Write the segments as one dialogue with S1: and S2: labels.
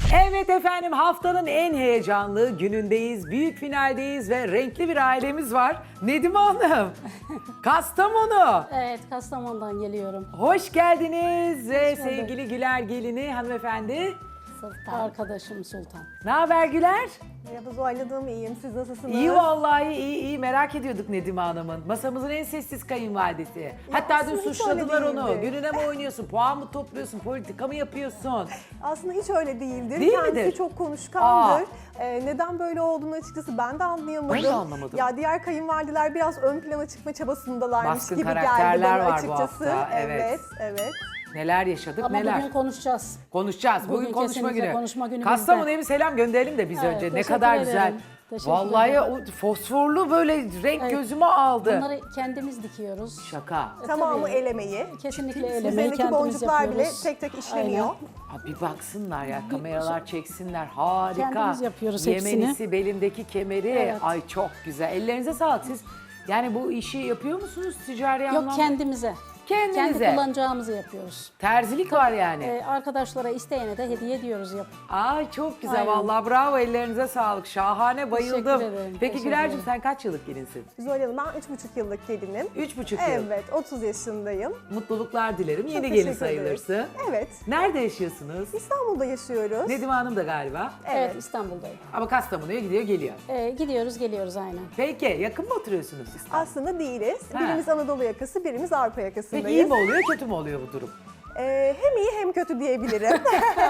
S1: Evet efendim, haftanın en heyecanlı günündeyiz. Büyük finaldeyiz ve renkli bir ailemiz var. Nedim Hanım, Kastamonu.
S2: Evet, Kastamonu'dan geliyorum.
S1: Hoş geldiniz ve
S2: bulduk.
S1: sevgili Güler gelini hanımefendi.
S3: Sultan.
S2: Arkadaşım Sultan.
S1: Ne haber Güler?
S4: Merhaba Zuhal Hanım, iyiyim. Siz nasılsınız?
S1: İyi vallahi, iyi merak ediyorduk Nedim Hanım'ın. Masamızın en sessiz kayınvalidesi. Hatta dün
S4: aslında hiç
S1: suçladılar
S4: öyle
S1: onu.
S4: değildi.
S1: Gününe mi oynuyorsun, puan mı topluyorsun, politika mı yapıyorsun?
S4: Aslında hiç öyle değildir.
S1: Değil
S4: Kendisi
S1: midir?
S4: çok konuşkandır. Neden böyle olduğunu açıkçası ben de anlayamadım.
S1: Ben de anlamadım.
S4: Ya diğer kayınvalideler biraz ön plana çıkma çabasındalarmış
S1: Baskın
S4: gibi geldi
S1: karakterler
S4: bana
S1: var bu
S4: açıkçası.
S1: hafta, evet.
S4: Evet.
S1: Neler yaşadık,
S2: Ama
S1: neler.
S2: bugün konuşacağız.
S1: Konuşacağız. Bugün
S2: Bugün
S1: konuşma
S2: kesinlikle
S1: günü.
S2: konuşma günü
S1: Kastamonu'ya
S2: bizde.
S1: bir selam gönderelim de biz
S2: Evet,
S1: önce. Ne
S2: teşekkür
S1: kadar
S2: ederim.
S1: güzel.
S2: Teşekkür
S1: Vallahi
S2: ederim.
S1: o fosforlu böyle renk
S2: Evet.
S1: gözüme aldı.
S2: Bunları kendimiz dikiyoruz.
S1: Şaka.
S4: Tamamı
S2: Tabii.
S4: el emeği.
S2: Kesinlikle elemeyi
S4: Üzerindeki
S2: kendimiz
S4: boncuklar bile
S2: yapıyoruz.
S4: tek tek işleniyor.
S1: Ha, bir baksınlar ya, kameralar çeksinler. Harika.
S2: Kendimiz yapıyoruz hepsini.
S1: Yemenisi, belimdeki kemeri.
S2: Evet.
S1: Ay çok güzel. Ellerinize sağlık. Siz yani bu işi yapıyor musunuz ticari anlamda?
S2: Yok, kendimize.
S1: Kendinize.
S2: Kendi kullanacağımızı yapıyoruz.
S1: Terzilik var yani.
S2: Arkadaşlara, isteyene de hediye ediyoruz.
S1: Ay çok güzel
S2: Aynen.
S1: vallahi, bravo, ellerinize sağlık. Şahane, bayıldım.
S2: Teşekkür ederim,
S1: Peki
S2: teşekkür
S1: Güler'cim,
S2: ederim.
S1: sen kaç yıllık gelinsin?
S4: Zuhal Hanım, ben 3,5 yıllık gelinim.
S1: 3,5 yıl.
S4: Evet, 30 yaşındayım.
S1: Mutluluklar dilerim. Yeni
S4: Çok
S1: gelin
S4: teşekkür
S1: sayılırsın.
S4: ederiz. Evet.
S1: Nerede yaşıyorsunuz?
S4: İstanbul'da yaşıyoruz.
S1: Nedim Hanım da galiba.
S2: Evet, İstanbul'dayım.
S1: Ama Kastamonu'ya gidiyor geliyor.
S2: Gidiyoruz, geliyoruz aynen.
S1: Peki yakın mı oturuyorsunuz İstanbul'da?
S4: Aslında değiliz.
S1: Ha.
S4: Birimiz Anadolu yakası, birimiz Avrupa
S1: Peki
S4: yakasındayız.
S1: iyi mi oluyor, kötü mü oluyor bu durum?
S4: Hem iyi hem kötü diyebilirim.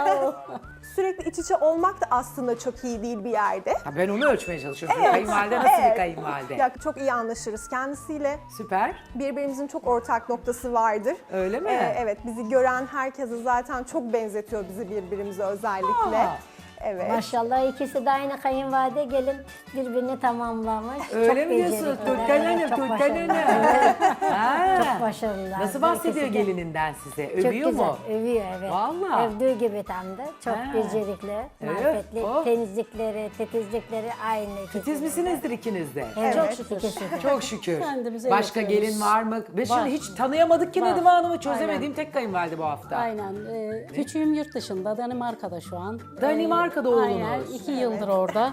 S4: Sürekli iç içe olmak da aslında çok iyi değil bir yerde.
S1: Ha, ben onu ölçmeye çalışıyorum. Kayınvalide nasıl bir kayınvalide?
S4: Ya, çok iyi anlaşırız kendisiyle.
S1: Süper.
S4: Birbirimizin çok ortak noktası vardır.
S1: Öyle mi?
S4: Evet, bizi gören herkese zaten çok benzetiyor bizi birbirimize özellikle.
S1: Aa.
S4: Evet.
S3: Maşallah ikisi de aynı kayınvalide gelin birbirini tamamlamış.
S1: Öyle
S3: Çok
S1: mi diyorsun?
S3: becerikliler,
S1: Türkan Hanım,
S3: evet, çok
S1: Türkan
S3: başarılı.
S1: Hanım. Ha.
S3: Çok başarılılar.
S1: Nasıl bahsediyor
S3: İkisi de.
S1: gelininden size?
S3: Çok
S1: Övüyor
S3: güzel,
S1: mu?
S3: övüyor evet.
S1: Vallahi.
S3: Övdüğü gibi tam da. Çok
S1: Ha.
S3: becerikli,
S1: Evet,
S3: marifetli,
S1: oh.
S3: temizlikleri, titizlikleri aynı.
S1: Titiz
S3: ikisinin de.
S1: misinizdir ikiniz de?
S3: Evet,
S2: Çok şükür.
S3: ikisi de.
S1: Çok şükür.
S2: Kendimize
S1: Başka
S2: yetiyoruz.
S1: gelin var mı? Ve şimdi
S2: Var.
S1: hiç tanıyamadık ki
S2: Var.
S1: Nedim Hanım'ı, çözemediğim tek kayınvalide bu hafta.
S2: Aynen. Küçüğüm yurt dışında, Danimarka'da şu an.
S1: Danimarka'da
S2: Aynen,
S1: oğlunuz.
S2: 2 yıldır orada.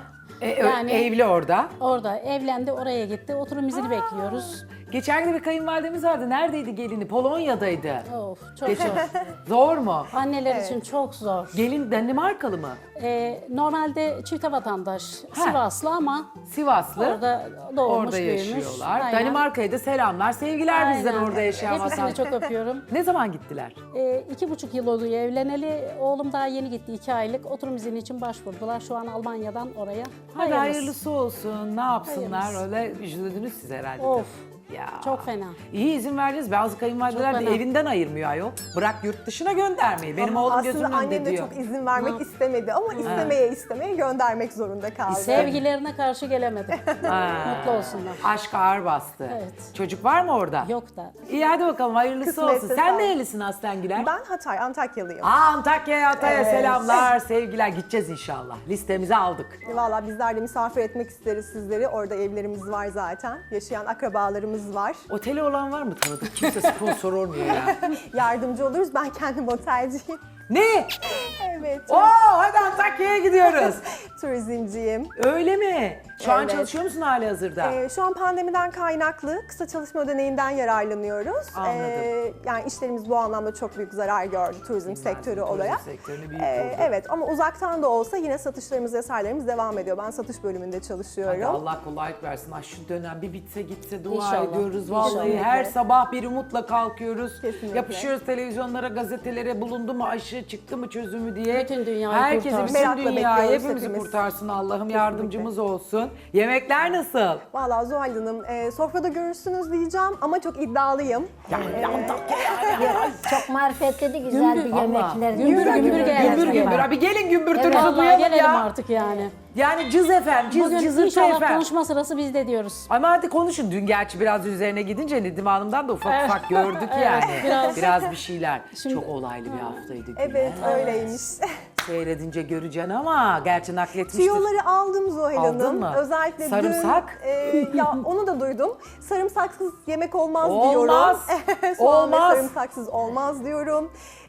S1: Evli orada.
S2: Orada evlendi, oraya gitti. Oturum izini bekliyoruz.
S1: Geçen gün bir kayınvalidemiz vardı. Neredeydi gelini? Polonya'daydı.
S2: Of, çok
S1: Geçen.
S2: zor.
S1: Zor mu?
S2: Anneler için çok zor.
S1: Gelin Danimarkalı mı?
S2: Normalde çifte vatandaş,
S1: Ha.
S2: Sivaslı ama
S1: Sivaslı.
S2: orada doğmuş,
S1: Orada
S2: büyümüş.
S1: yaşıyorlar.
S2: Aynen.
S1: Danimarka'ya da selamlar, sevgiler bizden
S2: Aynen.
S1: orada yaşayan
S2: Hepsini
S1: vatandaş.
S2: çok öpüyorum.
S1: Ne zaman gittiler?
S2: 2,5 yıl oluyor evleneli. Oğlum daha yeni gitti, 2 aylık. Oturum izni için başvurdular. Şu an Almanya'dan oraya.
S1: Hadi hayırlısı olsun. Ne yapsınlar?
S2: Hayırlısı.
S1: Öyle üzüldünüz siz herhalde.
S2: Of.
S1: tabii. Ya.
S2: Çok fena.
S1: İyi izin verdiniz. Bazı kayınvalideler
S2: Çok
S1: de
S2: fena.
S1: evinden ayırmıyor ayol. Bırak yurt dışına göndermeyi. Benim oğlum gözümün
S4: Aslında
S1: önünde
S4: annem de
S1: diyor.
S4: çok izin vermek istemedi ama istemeye göndermek zorunda kaldı.
S2: Sevgilerine karşı gelemedim. Mutlu olsunlar.
S1: Aşk ağır bastı.
S2: Evet.
S1: Çocuk var mı orada?
S2: Yok da.
S1: İyi hadi bakalım, hayırlısı
S4: Kısmetse
S1: olsun. Sen
S4: sağ ol.
S1: nerelisin Aslen Güler?
S4: Ben Antakyalıyım.
S1: Antakya'ya, Hatay'a
S4: Evet.
S1: selamlar, sevgiler. Gideceğiz inşallah. Listemize aldık.
S4: Valla bizler de misafir etmek isteriz sizleri. Orada evlerimiz var zaten. Yaşayan akrabalarımız var.
S1: Oteli olan var mı tanıdık? Kimse sponsor olmuyor ya.
S4: Yardımcı oluruz. Ben kendim otelciyim.
S1: Ne?
S4: Evet.
S1: Oo, hadi Antakya'ya gidiyoruz.
S4: Turizmciyim.
S1: Öyle mi? Şu an
S4: Evet.
S1: çalışıyor musun hali hazırda?
S4: Şu an pandemiden kaynaklı kısa çalışma ödeneğinden yararlanıyoruz.
S1: Anladım.
S4: Yani işlerimiz bu anlamda çok büyük zarar gördü turizm sektörü olarak.
S1: Turizm sektörünü büyük vurdu.
S4: Evet ama uzaktan da olsa yine satışlarımız vesairemiz devam ediyor. Ben satış bölümünde çalışıyorum.
S1: Hadi Allah kolaylık versin. Ay şu dönem bir bitse gitse dua
S2: İnşallah.
S1: ediyoruz. Vallahi
S4: İnşallah.
S1: her sabah bir umutla kalkıyoruz.
S4: Kesinlikle.
S1: Yapışıyoruz televizyonlara, gazetelere, bulundu mu aşı, çıktı mı çözümü diye.
S2: Bütün dünyayı
S1: Herkesi,
S2: kurtarsın.
S1: bütün
S4: Merakla
S1: dünyayı,
S4: bekliyoruz
S1: hepimizi
S4: hepimiz.
S1: kurtarsın. Allah'ım yardımcımız olsun. Yemekler nasıl?
S4: Vallahi Zuhal Hanım, sofrada görürsünüz diyeceğim ama çok iddialıyım.
S1: Yani Antakya yani.
S3: Çok marifetli de güzel bir
S1: Vallahi.
S3: yemekler.
S2: Gümbür gümbür geldi.
S1: Gümbür gümbür. Abi gelin gümbürtünüzü
S2: Vallahi
S1: duyalım
S2: gelelim
S1: ya.
S2: artık yani.
S1: Yani cız efendim,
S2: Bugün
S1: cızırtı
S2: inşallah
S1: efendim.
S2: konuşma sırası bizde diyoruz.
S1: Ama hadi konuşun. Dün gerçi biraz üzerine gidince Nedim Hanım'dan da ufak ufak gördük
S2: Evet,
S1: yani.
S2: biraz.
S1: Biraz bir şeyler.
S2: Şimdi-
S1: Çok olaylı bir haftaydı.
S4: Evet
S1: Güler.
S4: öyleymiş.
S1: Seyredince göreceksin ama gerçi nakletmiştir.
S4: Tüyoları aldım Zuhal
S1: Aldın
S4: Hanım.
S1: mı?
S4: Özellikle
S1: Sarımsak?
S4: dün ya onu da duydum. Sarımsaksız yemek olmaz,
S1: Olmaz.
S4: diyorum. Soğan
S1: Olmaz.
S4: ve sarımsaksız olmaz diyorum.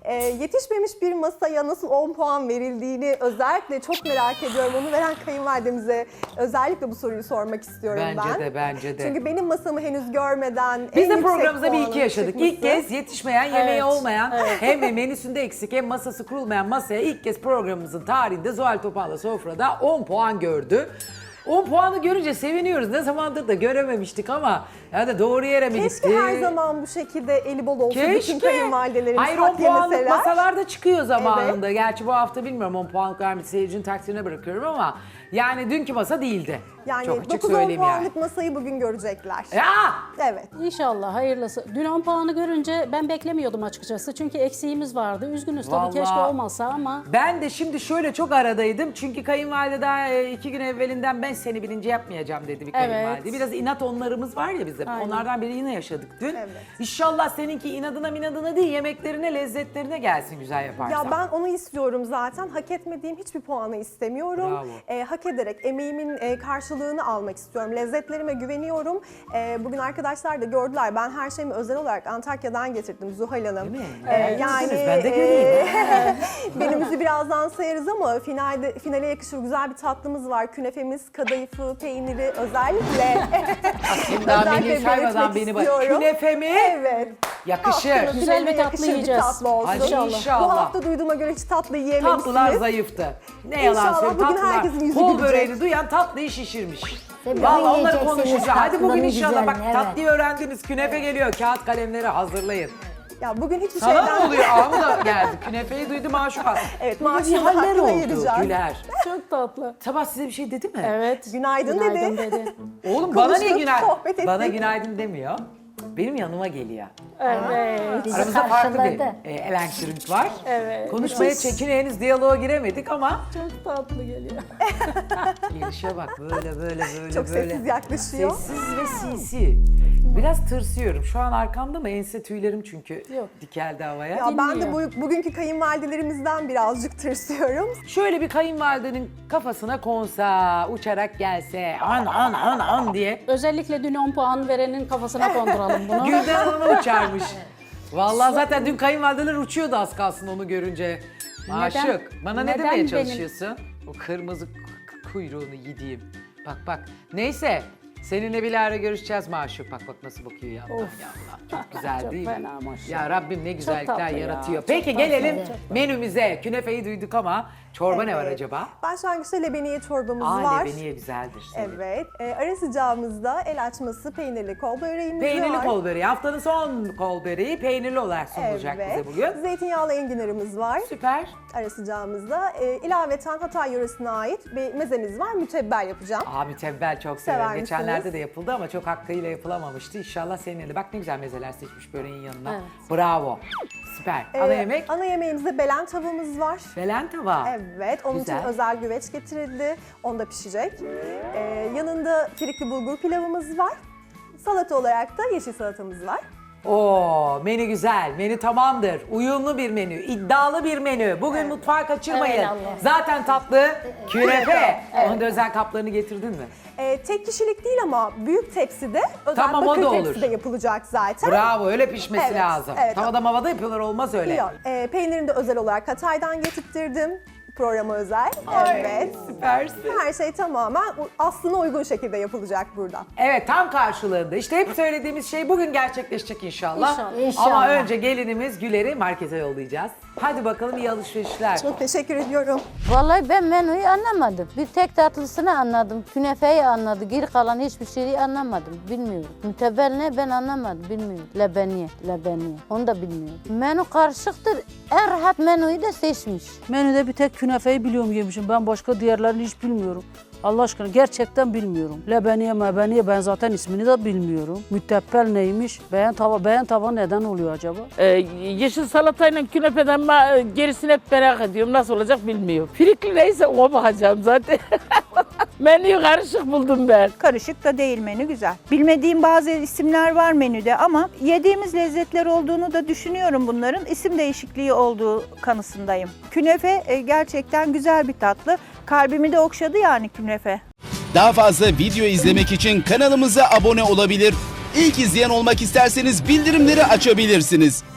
S4: Yetişmemiş bir masaya nasıl 10 puan verildiğini özellikle çok merak ediyorum. Onu veren kayınvalidemize özellikle bu soruyu sormak istiyorum ben.
S1: Bence de.
S4: Çünkü benim masamı henüz görmeden
S1: Biz
S4: en
S1: de
S4: yüksek
S1: programımızda bir
S4: puanın
S1: iki yaşadık.
S4: çıkması.
S1: İlk kez yetişmeyen, yemeği
S2: Evet,
S1: olmayan, hem menüsünde eksik hem masası kurulmayan masaya ilk kez programımızın tarihinde Zuhal Topal'la sofrada 10 puan gördü. 10 puanı görünce seviniyoruz. Ne zamandır da görememiştik ama yani doğru yere mi gitti?
S4: Keşke her zaman bu şekilde eli bol olsa bütün
S1: Keşke.
S4: kayınvalidelerimiz
S1: Hayır 10
S4: hak
S1: puanlık
S4: yemeseler.
S1: masalarda çıkıyor zamanında. Gerçi bu hafta bilmiyorum 10 puanlık vermiş seyircinin takdirine bırakıyorum ama yani dünkü masa değildi.
S4: Yani
S1: Çok açık
S4: 9-10
S1: söyleyeyim yani.
S4: puanlık masayı bugün görecekler.
S1: Ya!
S4: Evet.
S2: İnşallah hayırlısı. Dün 10 puanı görünce ben beklemiyordum açıkçası. Çünkü eksiğimiz vardı. Üzgünüz tabii,
S1: Vallahi-
S2: keşke olmasa ama
S1: Ben de şimdi şöyle çok aradaydım. Çünkü kayınvalide daha 2 gün evvelinden ben seni birinci yapmayacağım dedi bir kayınvalide.
S2: Evet.
S1: Biraz inat onlarımız var ya bizim.
S2: Aynen.
S1: Onlardan biri yine yaşadık dün.
S4: Evet.
S1: İnşallah seninki inadına değil yemeklerine, lezzetlerine gelsin güzel yaparsan.
S4: Ya ben onu istiyorum zaten. Hak etmediğim hiçbir puanı istemiyorum. Hak ederek emeğimin karşılığını almak istiyorum. Lezzetlerime güveniyorum. Bugün arkadaşlar da gördüler. Ben her şeyimi özel olarak Antakya'dan getirdim Zuhal Hanım.
S1: Değil mi?
S4: Yani
S1: Ben de göreyim.
S4: menümüzü birazdan sayarız ama finale yakışır güzel bir tatlımız var. Künefemiz, kadayıfı, peyniri özellikle.
S1: Daha
S4: özellikle
S1: menüyü saymadan
S4: belirtmek
S1: beni bak.
S4: istiyorum.
S1: Künefe mi?
S4: Evet.
S1: Yakışır.
S4: Haftaya
S2: Güzel bir
S4: finale
S2: tatlı
S4: yakışır
S2: yiyeceğiz.
S4: tatlı olsun.
S1: Hadi inşallah.
S4: Bu hafta duyduğuma göre hiç tatlı yiyememişsiniz.
S1: Tatlılar zayıftı. Ne yalan
S4: İnşallah
S1: söyleyeyim
S4: bugün
S1: tatlılar.
S4: herkesin yüzü
S1: Kol
S4: gülecek.
S1: böreğini duyan tatlıyı şişirmiş.
S3: Tabii
S1: Vallahi
S3: bugün
S1: onları
S3: yiyeceksiniz
S1: konuşacağız. Hadi bugün
S3: tatlının
S1: inşallah bak
S3: güzelini, evet.
S1: tatlıyı öğrendiniz. Künefe geliyor. Kağıt kalemleri hazırlayın.
S4: Ya bugün hiçbir
S1: Sana
S4: şeyden...
S1: ne oluyor? Ağamı da geldi. Künefeyi duydum aşuka.
S4: Evet,
S1: Bugün bir
S4: maaşını
S1: haller
S4: hakkını
S1: oldu
S4: ayıracağız.
S1: Güler.
S2: çok tatlı.
S1: Sabah size bir şey dedi mi?
S2: Evet.
S4: Günaydın dedi.
S1: Oğlum bana niye
S4: Konuştuk,
S1: günaydın?
S4: sohbet ettik.
S1: Bana günaydın demiyor. Benim yanıma geliyor.
S2: Evet.
S3: Bizi
S1: Aramızda farklı bir
S3: karşıladı.
S1: elektrik var.
S2: Evet.
S1: Konuşmaya çekine henüz diyaloğa giremedik ama
S2: Çok tatlı geliyor.
S1: gelişe bak böyle
S4: Çok
S1: böyle.
S4: sessiz yaklaşıyor.
S1: Sessiz ve sinsi. Biraz tırsıyorum. Şu an arkamda mı? Ense tüylerim çünkü
S2: Yok.
S1: dikeldi havaya.
S4: Ya ben de
S2: Dinliyor.
S4: bugünkü kayınvalidelerimizden birazcık tırsıyorum.
S1: Şöyle bir kayınvalidenin kafasına konsa, uçarak gelse, an diye.
S2: Özellikle dün 10 puan verenin kafasına konduralım bunu.
S1: Gülden Hanım'a uçarmış. Vallahi zaten dün kayınvalideler uçuyordu az kalsın onu görünce. Aşık. Bana ne
S2: neden
S1: demeye
S2: benim-
S1: çalışıyorsun? O kırmızı kuyruğunu yediğim. Bak. Neyse. Seninle bir ara görüşeceğiz Maşuk. Bak nasıl bakıyor ya Allah. Çok güzel
S2: Çok
S1: değil mi?
S2: fena maşallah.
S1: Ya Rabbim ne güzellikler
S2: tatlı ya,
S1: yaratıyor.
S2: çok
S1: Peki
S2: tatlı.
S1: gelelim
S3: Çok tatlı.
S1: menümüze. Künefeyi duyduk ama çorba ne var
S4: Evet.
S1: acaba?
S4: Başlangıçta lebeniye çorbamız var.
S1: Lebeniye güzeldir.
S4: Evet. Ara sıcağımızda el açması peynirli kol böreğimiz var.
S1: Peynirli kol böreği. Haftanın son kol böreği peynirli olarak sunulacak bize bugün.
S4: Zeytinyağlı enginarımız var.
S1: Süper.
S4: Ara sıcağımızda. İlaveten Hatay yöresine ait bir mezemiz var. Mütebbel yapacağım.
S1: Mütebbel çok severim.
S4: Sever
S1: Geçenlerde
S4: misiniz?
S1: de yapıldı ama çok hakkıyla yapılamamıştı. İnşallah seninle de. Bak ne güzel mezeler seçmiş böreğin yanına.
S2: Evet.
S1: Bravo. Süper. Ana yemek?
S4: Ana yemeğimizde belen tavamız var.
S1: Belen tava.
S4: Evet, onun
S1: Güzel.
S4: için özel güveç getirildi. Onda pişecek. Yanında frikli bulgur pilavımız var. Salata olarak da yeşil salatamız var.
S1: Oo, menü güzel. Menü tamamdır. Uyumlu bir menü. İddialı bir menü. Bugün mutfağı kaçırmayın.
S2: Evet, Allah.
S1: Zaten tatlı künefe. Onun da özel kaplarını getirdin mi?
S4: Tek kişilik değil ama büyük tepside, özel
S1: Tamam, o
S4: bakır
S1: da olur.
S4: tepside yapılacak zaten.
S1: Bravo, öyle pişmesi
S4: Evet,
S1: lazım.
S4: evet.
S1: Tavada mavada yapıyorlar, olmaz öyle.
S4: Yok, peynirini de özel olarak Hatay'dan getirttirdim. Programa özel. Evet.
S1: Süpersin.
S4: Her şey tamamen aslına uygun şekilde yapılacak burada.
S1: Evet, tam karşılığında. İşte hep söylediğimiz şey bugün gerçekleşecek inşallah.
S2: İnşallah.
S3: İnşallah.
S1: Ama önce gelinimiz Güler'i markete yollayacağız. Hadi bakalım, iyi alışverişler.
S4: Çok teşekkür ediyorum.
S5: Vallahi ben menüyü anlamadım. Bir tek tatlısını anladım. Künefeyi anladım. Geri kalan hiçbir şeyi anlamadım. Bilmiyorum. Mütebbel ne ben anlamadım. Bilmiyorum. Lebeniye. Onu da bilmiyorum. Menü karışıktır. En rahat menüyü de seçmiş.
S6: Menüde bir tek künefeyi biliyorum yemişim. Ben başka diğerlerini hiç bilmiyorum. Allah aşkına gerçekten bilmiyorum. Lebeniye ben zaten ismini de bilmiyorum. Mütebbel neymiş? Beğen tava neden oluyor acaba?
S7: Yeşil salatayla künefeden gerisini hep merak ediyorum. Nasıl olacak bilmiyorum. Frikli neyse ona bakacağım zaten. Menüyü karışık buldum ben.
S8: Karışık da değil, menü güzel. Bilmediğim bazı isimler var menüde ama yediğimiz lezzetler olduğunu da düşünüyorum bunların. İsim değişikliği olduğu kanısındayım. Künefe gerçekten güzel bir tatlı. Kalbimi de okşadı yani künefe.
S9: Daha fazla video izlemek için kanalımıza abone olabilir. İlk izleyen olmak isterseniz bildirimleri açabilirsiniz.